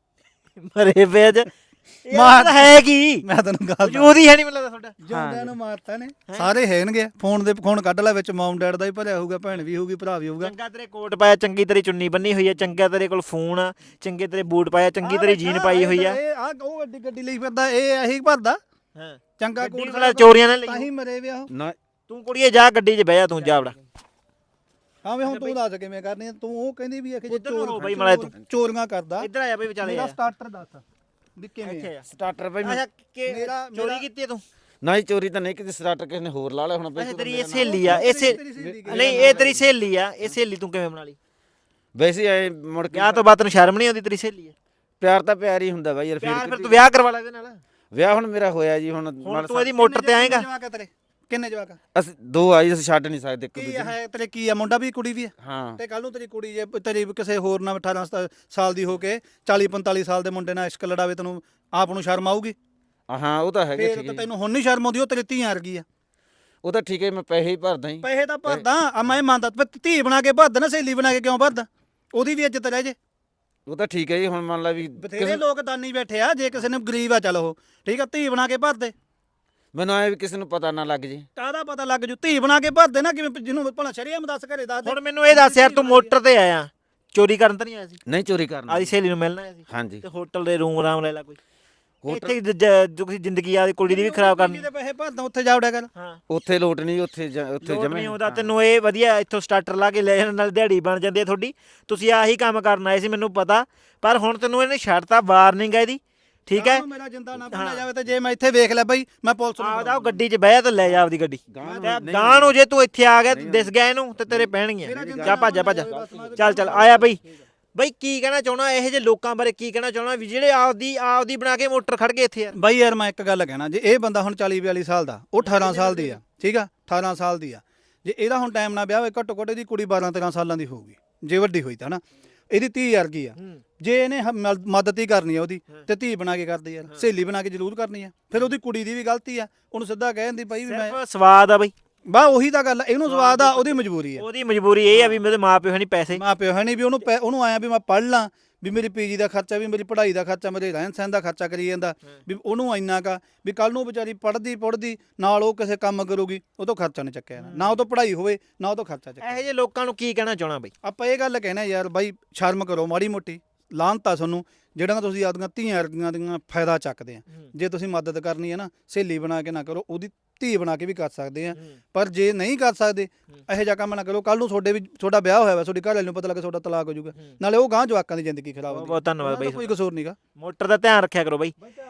ਮਰੇ ਪਏ ਅੱਜ ਮਾਰ- ਮਾਰ ਹੈ ਕੀ ਮੈਂ ਤੈਨੂੰ ਗੱਲ ਵਜੂਦ ਹੀ ਹੈ ਨਹੀਂ ਮਤਲਬ ਤੁਹਾਡਾ। ਜਿਉਂਦਿਆਂ ਨੂੰ ਮਾਰਤਾ ਨੇ ਸਾਰੇ ਹੈਣਗੇ। ਫੋਨ ਦੇ ਫੋਨ ਕੱਢ ਲੈ, ਵਿੱਚ ਮਮ ਡੈਡ ਦਾ ਹੀ ਭਰਿਆ ਹੋਊਗਾ, ਭੈਣ ਵੀ ਹੋਊਗੀ, ਭਰਾ ਵੀ ਹੋਊਗਾ। ਚੰਗਾ ਤੇਰੇ ਕੋਟ ਪਾਇਆ, ਚੰਗੀ ਤੇਰੀ ਚੁੰਨੀ ਬੰਨੀ ਹੋਈ ਆ, ਚੰਗਾ ਤੇਰੇ ਕੋਲ ਫੋਨ ਆ, ਚੰਗੇ ਤੇਰੇ ਬੂਟ ਪਾਇਆ, ਚੰਗੀ ਤੇਰੀ ਜੀਨ ਪਾਈ ਹੋਈ ਆ। ਇਹ ਆ ਉਹ ਗੱਡੀ ਗੱਡੀ ਲਈ ਫਿਰਦਾ, ਇਹ ਇਹੀ ਭਰਦਾ ਹਾਂ ਚੰਗਾ ਗੱਡੀ ਕੋਟ ਵਾਲਾ ਚੋਰੀਆਂ ਨਾਲ ਤਾਂ ਲਈ। ਹੀ ਮਰੇ ਵਿਆ ਉਹ। ਨਾ ਤੂੰ ਕੁੜੀਏ ਜਾ ਗੱਡੀ 'ਚ ਬਹਿ ਜਾ, ਤੂੰ ਜਾ ਵੜਾ। ਹਾਂ ਵੇ ਹੁਣ ਤੂੰ ਦੱਸ ਕਿਵੇਂ ਕਰਨੀ ਆ? ਤੂੰ ਉਹ ਕਹਿੰਦੀ ਵੀ ਅਖੇ ਉੱਧਰ ਨੂੰ ਹੋ ਬਈ ਚੋਰ ਮਾੜਾ ਤੂੰ। ਚੋਰੀਆਂ ਕਰਦਾ। ਇੱਧਰ ਆ ਜਾ ਬਈ ਵਿਚਾਲੇ ਮੇਰਾ ਆ। ਸਟਾਰਟਰ ਦੱਸ ਵੀ ਕਿਵੇਂ ਇੱਥੇ ਆ? ਆ। ਸਟਾਰਟਰ ਭਾਈ ਮੈਂ ਅੱਛਾ ਕਿ ਮੇਰਾ- ਚੋਰੀ ਮੇਰਾ- ਕੀਤੀ ਹੈ ਤੂੰ? ਨਾ ਹੀ ਚੋਰੀ ਤਾਂ ਨਹੀਂ ਕੀਤੀ, ਸਟਾਰਟਰ ਕਿਸੇ ਨੇ ਹੋਰ ਲਾ ਲਿਆ ਹੁਣ ਬਈ। ਅੱਛਾ ਤੂੰ ਤੇਰੀ ਮੇਰੇ ਇਹ ਨਾਲ- ਸਹੇਲੀ ਆ, ਇਹ ਸੇ- ਤੇਰੀ ਸਹੇਲੀ ਨਹੀਂ ਇਹ ਤੇਰੀ ਸਹੇਲੀ ਆ, ਇਹ ਸਹੇਲੀ ਤੂੰ ਕਿਵੇਂ ਬਣਾ ਲਈ? ਵੈਸੇ ਆਏ ਮੁੜ ਕੇ ਵਿਆਹ ਤੋਂ ਬਾਅਦ ਤੈਨੂੰ ਸ਼ਰਮ ਨਹੀਂ ਆਉਂਦੀ? ਤੇਰੀ ਸਹੇਲੀ ਆ, ਪਿਆਰ ਤਾਂ ਪਿਆਰ ਹੀ ਹੁੰਦਾ ਬਾਈ ਯਾਰ। ਪਿਆਰ ਫਿਰ ਫਿਰ ਤੂੰ ਵਿਆਹ ਕਰਵਾ ਲੈ ਇਹਦੇ ਨਾਲ। ਵਿਆਹ ਹੁਣ ਮੇਰਾ ਹੋਇਆ ਜੀ। ਹੁਣ ਹੁਣ ਤੂੰ ਇਹਦੀ ਮੋਟਰ ਤੇ ਆਏਗਾ? ਕਿੰਨੇ ਜਵਾਕ ਆ ਤੇਰੇ? ਕਿੰਨੇ ਜਵਾਕ ਆ? ਅਸੀਂ ਦੋ ਆਈ, ਅਸੀਂ ਛੱਡ ਨਹੀਂ ਸਕਦੇ ਇੱਕ ਕੀ ਦੂਜੇ ਨੂੰ। ਹੈ ਤੇਰੇ? ਕੀ ਆ? ਮੁੰਡਾ ਵੀ ਕੁੜੀ ਵੀ ਆ? ਹਾਂ ਤੇ ਕੱਲ ਨੂੰ ਤੇਰੀ ਕੁੜੀ ਜੇ ਤੇਰੀ ਕਿਸੇ ਹੋਰ ਨਾਲ ਅਠਾਰਾਂ ਸਤਾ- ਸਾਲ ਦੀ ਹੋ ਕੇ ਚਾਲੀ ਪੰਤਾਲੀ ਸਾਲ ਦੇ ਮੁੰਡੇ ਨਾਲ ਇਸ਼ਕ ਲੜਾਵੇ, ਤੈਨੂੰ ਆਪ ਨੂੰ ਸ਼ਰਮ ਆਊਗੀ? ਹਾਂ ਉਹ ਤਾਂ ਹੈਗਾ ਫੇਰ ਠੀਕ ਤਾਂ ਹੈ। ਤੈਨੂੰ ਹੁਣ ਨਹੀਂ ਸ਼ਰਮ ਆਉਂਦੀ? ਉਹ ਤੇਰੀ ਧੀਆਂ ਵਰਗੀ ਆ। ਉਹ ਤਾਂ ਠੀਕ ਹੈ, ਮੈਂ ਪੈਸੇ ਹੀ ਭਰਦਾ ਹੀ। ਪੈਸੇ ਤਾਂ ਭਰਦਾ ਆ, ਮੈਂ ਮੰਨਦਾ, ਪਰ ਧੀ ਬਣਾ ਕੇ ਭਰਦਾ ਨਾ, ਸਹੇਲੀ ਬਣਾ ਕੇ ਕਿਉਂ ਭਰਦਾ? ਉਹਦੀ ਵੀ ਇੱਜ਼ਤ ਰਹਿ ਜੇ। ਉਹ ਤਾਂ ਠੀਕ ਹੈ ਜੀ। ਹੁਣ ਮੰਨ ਲਾ ਵੀ ਬਥੇਰੇ ਲੋਕ ਦਾਨੀ ਬੈਠੇ ਆ, ਜੇ ਕਿਸੇ ਨੇ ਗਰੀਬ ਆ ਚੱਲ ਉਹ ਠੀਕ ਆ, ਧੀ ਬਣਾ ਕੇ ਭਰਦੇ। ਮੈਨੂੰ ਆਏ ਵੀ ਕਿਸੇ ਨੂੰ ਪਤਾ ਨਾ ਲੱਗ ਜੇ। ਕਾਹਦਾ ਪਤਾ ਲੱਗ ਜੂ? ਧੀ ਬਣਾ ਕੇ ਭਰਦੇ ਨਾ, ਕਿਵੇਂ ਜਿਹਨੂੰ ਭਲਾ ਸ਼ਰੀਆ ਦੱਸ ਘਰੇ ਦੱਸ ਦੇ। ਹੁਣ ਮੈਨੂੰ ਇਹ ਦੱਸ ਯਾਰ, ਤੂੰ ਮੋਟਰ ਤੇ ਆਇਆ, ਚੋਰੀ ਕਰਨ ਤਾਂ ਨਹੀਂ ਆਇਆ ਸੀ? ਨਹੀਂ ਚੋਰੀ ਕਰਨਾ। ਆਦੀ ਸਹੇਲੀ ਨੂੰ ਮਿਲਣਾ ਆਇਆ ਸੀ? ਹਾਂਜੀ ਤੇ ਹੋਟਲ ਦੇ ਰੂਮ ਆਰਾਮ ਲੈ ਲਾ ਕੋਈ। ਹੋਟਲ- ਇੱਥੇ ਜ- ਜ- ਤੁਸੀਂ ਜ਼ਿੰਦਗੀ ਆ ਕੁੜੀ ਦੀ ਵੀ ਖਰਾਬ ਕਰਨੀ। ਦੇ ਪੈਸੇ ਭਰਦਾ, ਉੱਥੇ ਜਾ ਵੜਿਆ ਕਰ। ਹਾਂ ਉੱਥੇ ਲੋਟ ਨਹੀਂ, ਉੱਥੇ ਜਾ- ਉੱਥੇ ਲੋਟ ਜਮੇ ਨਹੀਂ ਆਉਂਦਾ ਤੈਨੂੰ। ਇਹ ਵਧੀਆ ਇੱਥੋਂ ਸਟਾਰਟਰ ਲਾ ਕੇ ਲੈ ਜਾਣ ਨਾਲ ਦਿਹਾੜੀ ਬਣ ਜਾਂਦੀ ਹੈ ਤੁਹਾਡੀ। ਤੁਸੀਂ ਆਹੀ ਕੰਮ ਕਰਨ ਆਏ ਸੀ ਮੈਨੂੰ ਪਤਾ, ਪਰ ਹੁਣ ਤੈਨੂੰ ਇਹਨੇ ਛੱਡਤਾ, ਵਾਰਨਿੰਗ ਹੈ ਇਹਦੀ, ਠੀਕ ਹੈ? ਮੇਰਾ ਜਿੰਦਾ ਨਾ ਭੁੱਲਿਆ ਜਾਵੇ, ਤੇ ਜੇ ਮੈਂ ਇੱਥੇ ਵੇਖ ਲਿਆ ਬਈ, ਮੈਂ ਪੁਲਿਸ ਨੂੰ ਆਪਦਾ ਉਹ ਗੱਡੀ 'ਚ ਬਹਿ ਤੇ ਲੈ ਜਾ ਆਪਦੀ ਗੱਡੀ। ਗਾਂਹ ਤੇ ਨਹੀਂ- ਗਾਂ ਨੂੰ ਜੇ ਤੂੰ ਇੱਥੇ ਆ ਗਿਆ ਤੇ ਦਿਸ ਗਿਆ ਇਹਨੂੰ ਤੇ ਤੇਰੇ ਪੈਣਗੀਆਂ। ਜਾ ਭੱਜ ਜਾ ਭੱਜ ਚੱਲ ਚੱਲ ਆਇਆ ਬਈ। ਬਈ ਕੀ ਕਹਿਣਾ ਚਾਹਣਾ ਇਹੋ ਜਿਹੇ ਲੋਕਾਂ ਬਾਰੇ? ਕੀ ਕਹਿਣਾ ਚਾਹਣਾ ਵੀ ਜਿਹੜੇ ਆਪਦੀ ਆਪਦੀ ਬਣਾ ਕੇ ਮੋਟਰ ਖੜ ਗਏ ਇੱਥੇ ਯਾਰ? ਬਾਈ ਯਾਰ ਮੈਂ ਇੱਕ ਗੱਲ ਕਹਿਣਾ, ਜੇ ਇਹ ਬੰਦਾ ਹੁਣ ਚਾਲੀ ਬਿਆਲੀ ਸਾਲ ਦਾ, ਉਹ ਅਠਾਰਾਂ ਸਾਲ ਦੀ ਆ, ਠੀਕ ਆ, ਅਠਾਰਾਂ ਸਾਲ ਦੀ ਆ, ਜੇ ਇਹਦਾ ਹੁਣ ਟਾਈਮ ਨਾਲ ਵਿਆਹ ਹੋਵੇ, ਘੱਟੋ ਘੱਟ ਇਹਦੀ ਕੁੜੀ ਬਾਰਾਂ ਤੇਰਾਂ ਸਾਲਾਂ ਦੀ ਹੋਊਗੀ, ਜੇ ਵੱਡੀ ਹੋਈ ਤਾਂ ਨਾ। ਇਹਦੀ ਧੀ ਵਰਗੀ ਆ। ਜੇ ਇਹਨੇ ਹ- ਮ- ਮਦਦ ਹੀ ਕਰਨੀ ਆ ਉਹਦੀ, ਤੇ ਧੀ ਬਣਾ ਕੇ ਕਰਦੀ ਯਾਰ, ਸਹੇਲੀ ਬਣਾ ਕੇ ਜ਼ਰੂਰ ਕਰਨੀ ਆ। ਫਿਰ ਉਹਦੀ ਕੁੜੀ ਦੀ ਵੀ ਗਲਤੀ ਆ, ਉਹਨੂੰ ਸਿੱਧਾ ਕਹਿ ਦਿੰਦੀ ਬਾਈ ਵੀ ਮੈਂ ਸਿਰਫ ਸਵਾਦ ਆ ਬਈ, ਬਾ ਉਹੀ ਤਾਂ ਗੱਲ ਆ, ਇਹਨੂੰ ਸਵਾਦ ਆ, ਉਹਦੀ ਮਜਬੂਰੀ ਆ। ਉਹਦੀ ਮਜਬੂਰੀ ਇਹ ਆ ਵੀ ਮੇਰੇ ਮਾਂ ਪਿਓ ਹੈ ਨਹੀਂ ਪੈਸੇ। ਮਾਂ ਪਿਓ ਹੈ ਨਹੀਂ ਵੀ ਉਹਨੂੰ ਪੈ- ਉਹਨੂੰ ਆਇਆ ਵੀ ਮੈਂ ਪੜ੍ਹ ਲਾਂ, ਵੀ ਮੇਰੀ ਪੀਜੀ ਦਾ ਖਰਚਾ, ਵੀ ਮੇਰੀ ਪੜ੍ਹਾਈ ਦਾ ਖਰਚਾ, ਮੇਰੇ ਰਹਿਣ ਸਹਿਣ ਦਾ ਖਰਚਾ ਕਰੀ ਜਾਂਦਾ, ਵੀ ਉਹਨੂੰ ਇੰਨਾ ਕਾ ਵੀ ਕੱਲ ਨੂੰ ਵਿਚਾਰੀ ਪੜ੍ਹਦੀ ਪੜ੍ਹਦੀ ਨਾਲ ਉਹ ਕਿਸੇ ਕੰਮ ਕਰੂਗੀ, ਉਹ ਤੋਂ ਖਰਚਾ ਨਹੀਂ ਚੱਕਿਆ ਜਾਣਾ। ਨਾ ਉਹ ਤੋਂ ਪੜ੍ਹਾਈ ਹੋਵੇ, ਨਾ ਉਹ ਤੋਂ ਖਰਚਾ ਚੱਕਿਆ। ਇਹੋ ਜਿਹੇ ਲੋਕਾਂ ਨੂੰ ਕੀ ਕਹਿਣਾ ਚਾਹਣਾ ਬਈ? ਆਪਾਂ ਇਹ ਗੱਲ ਕਹਿਣਾ ਯਾਰ ਬਾਈ, ਸ਼ਰਮ ਕਰੋ ਮਾੜੀ ਮੋਟੀ। ਲਾਹਨਤਾ ਤੁਹਾਨੂੰ ਜਿਹੜੀਆਂ ਤੁਸੀਂ ਆਪਦੀਆਂ ਧੀਆਂ ਵਰਗੀਆਂ ਦੀਆਂ ਫਾਇਦਾ ਚੱਕਦੇ ਆ। ਜੇ ਤੁਸੀਂ ਮਦਦ ਕਰਨੀ ਹੈ ਨਾ, ਸਹੇਲੀ ਬਣਾ ਕੇ ਨਾ ਕਰੋ, ਉਹਦੀ ਧੀ ਬਣਾ ਕੇ ਵੀ ਕਰ ਸਕਦੇ ਆ। ਪਰ ਜੇ ਨਹੀਂ ਕਰ ਸਕਦੇ, ਇਹੋ ਜਿਹਾ ਕੰਮ ਨਾ ਕਰੋ, ਕੱਲ ਨੂੰ ਤੁਹਾਡੇ ਵੀ ਤੁਹਾਡਾ ਵਿਆਹ ਹੋਇਆ ਵਾ, ਤੁਹਾਡੀ ਘਰ ਵਾਲੀ ਨੂੰ ਪਤਾ ਲੱਗੇ ਤੁਹਾਡਾ ਤਲਾਕ ਹੋ ਜਾਊਗਾ, ਨਾਲੇ ਉਹ ਗਾਂ ਜਵਾਕਾਂ ਦੀ ਜ਼ਿੰਦਗੀ ਖਰਾਬ ਬਹੁਤ ਹੁੰਦੀ। ਬਹੁਤ ਧੰਨਵਾਦ ਬਈ। ਕੋਈ ਕਸੂਰ ਨਹੀਂਗਾ। ਮੋਟਰ ਦਾ ਧਿਆਨ ਰੱਖਿਆ ਕਰੋ ਬਈ।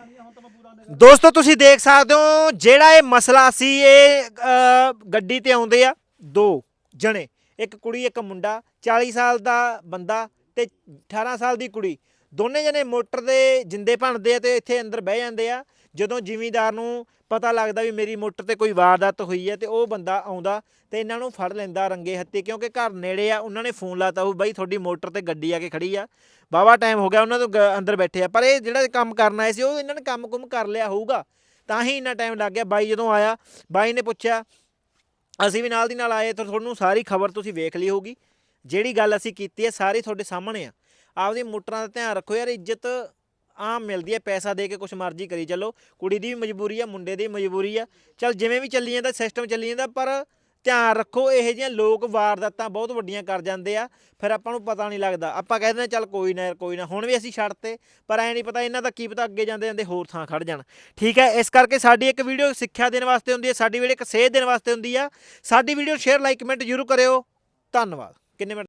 ਦੋਸਤੋ ਤੁਸੀਂ ਦੇਖ ਸਕਦੇ ਹੋ ਜਿਹੜਾ ਇਹ ਮਸਲਾ ਸੀ, ਇਹ ਅ, ਗੱਡੀ ਤੇ ਆਉਂਦੇ ਆ ਦੋ ਜਣੇ, ਇੱਕ ਕੁੜੀ ਇੱਕ ਮੁੰਡਾ, ਚਾਲੀ ਸਾਲ ਦਾ ਬੰਦਾ ਤੇ ਅਠਾਰਾਂ ਸਾਲ ਦੀ ਕੁੜੀ, ਦੋਨੇ ਜਣੇ ਮੋਟਰ ਦੇ ਜਿੰਦੇ ਭੰਨਦੇ ਆ ਤੇ ਇੱਥੇ ਅੰਦਰ ਬਹਿ ਜਾਂਦੇ ਆ। ਜਦੋਂ ਜ਼ਿਮੀਂਦਾਰ ਨੂੰ ਪਤਾ ਲੱਗਦਾ ਵੀ ਮੇਰੀ ਮੋਟਰ ਤੇ ਕੋਈ ਵਾਰਦਾਤ ਹੋਈ ਹੈ, ਤੇ ਉਹ ਬੰਦਾ ਆਉਂਦਾ ਤੇ ਇਹਨਾਂ ਨੂੰ ਫੜ ਲੈਂਦਾ ਰੰਗੇ ਹੱਥੀ, ਕਿਉਂਕਿ ਘਰ ਨੇੜੇ ਆ। ਉਹਨਾਂ ਨੇ ਫੋਨ ਲਾਤਾ ਉਹ ਬਾਈ ਤੁਹਾਡੀ ਮੋਟਰ ਤੇ ਗੱਡੀ ਆ ਕੇ ਖੜੀ ਆ, ਵਾਹਵਾ ਟਾਈਮ ਹੋ ਗਿਆ ਉਹਨਾਂ ਤੋਂ ਗ- ਅੰਦਰ ਬੈਠੇ ਆ। ਪਰ ਇਹ ਜਿਹੜਾ ਕੰਮ ਕਰਨ ਆਏ ਸੀ, ਉਹ ਇਹਨਾਂ ਨੇ ਕੰਮ ਕੁਮ ਕਰ ਲਿਆ ਹੋਊਗਾ, ਤਾਂ ਹੀ ਇੰਨਾ ਟਾਈਮ ਲੱਗ ਗਿਆ। ਬਾਈ ਜਦੋਂ ਆਇਆ, ਬਾਈ ਨੇ ਪੁੱਛਿਆ, ਅਸੀਂ ਵੀ ਨਾਲ ਦੀ ਨਾਲ ਆਏ, ਤਾਂ ਤੁਹਾਨੂੰ ਸਾਰੀ ਖਬਰ ਤੁਸੀਂ ਵੇਖ ਲਈ ਹੋਊਗੀ। ਜਿਹੜੀ ਗੱਲ ਅਸੀਂ ਕੀਤੀ ਹੈ ਸਾਰੀ ਤੁਹਾਡੇ ਸਾਹਮਣੇ ਆ। ਆਪਦੀ ਮੋਟਰਾਂ ਦਾ ਧਿਆਨ ਰੱਖੋ ਯਾਰ, ਇੱਜ਼ਤ ਆਮ ਮਿਲਦੀ ਹੈ, ਪੈਸਾ ਦੇ ਕੇ ਕੁਛ ਮਰਜ਼ੀ ਕਰੀ ਚੱਲੋ। ਕੁੜੀ ਦੀ ਵੀ ਮਜਬੂਰੀ ਆ, ਮੁੰਡੇ ਦੀ ਵੀ ਮਜਬੂਰੀ ਆ, ਚੱਲ ਜਿਵੇਂ ਵੀ ਚੱਲੀ ਜਾਂਦਾ ਸਿਸਟਮ ਚੱਲੀ ਜਾਂਦਾ, ਪਰ ਧਿਆਨ ਰੱਖੋ ਇਹੋ ਜਿਹੀਆਂ ਲੋਕ ਵਾਰਦਾਤਾਂ ਬਹੁਤ ਵੱਡੀਆਂ ਕਰ ਜਾਂਦੇ ਆ, ਫਿਰ ਆਪਾਂ ਨੂੰ ਪਤਾ ਨਹੀਂ ਲੱਗਦਾ। ਆਪਾਂ ਕਹਿ ਦਿੰਦੇ ਚੱਲ ਕੋਈ ਨਾ ਯਾਰ ਕੋਈ ਨਾ, ਹੁਣ ਵੀ ਅਸੀਂ ਛੱਡਤੇ, ਪਰ ਐ ਨਹੀਂ ਪਤਾ ਇਹਨਾਂ ਦਾ ਕੀ ਪਤਾ ਅੱਗੇ ਜਾਂਦੇ ਜਾਂਦੇ ਹੋਰ ਥਾਂ ਖੜ ਜਾਣ। ਠੀਕ ਹੈ, ਇਸ ਕਰਕੇ ਸਾਡੀ ਇੱਕ ਵੀਡੀਓ ਸਿੱਖਿਆ ਦੇਣ ਵਾਸਤੇ ਹੁੰਦੀ ਹੈ, ਸਾਡੀ ਵੀਡੀਓ ਇੱਕ ਸੇਧ ਦੇਣ ਵਾਸਤੇ ਹੁੰਦੀ ਆ। ਸਾਡੀ ਵੀਡੀਓ ਸ਼ੇਅਰ ਲਾਈਕ ਕਮੈਂਟ ਜ਼ਰੂਰ ਕਰਿਓ। ਧੰਨਵਾਦ। ਕਿੰਨੇ ਮਿੰਟ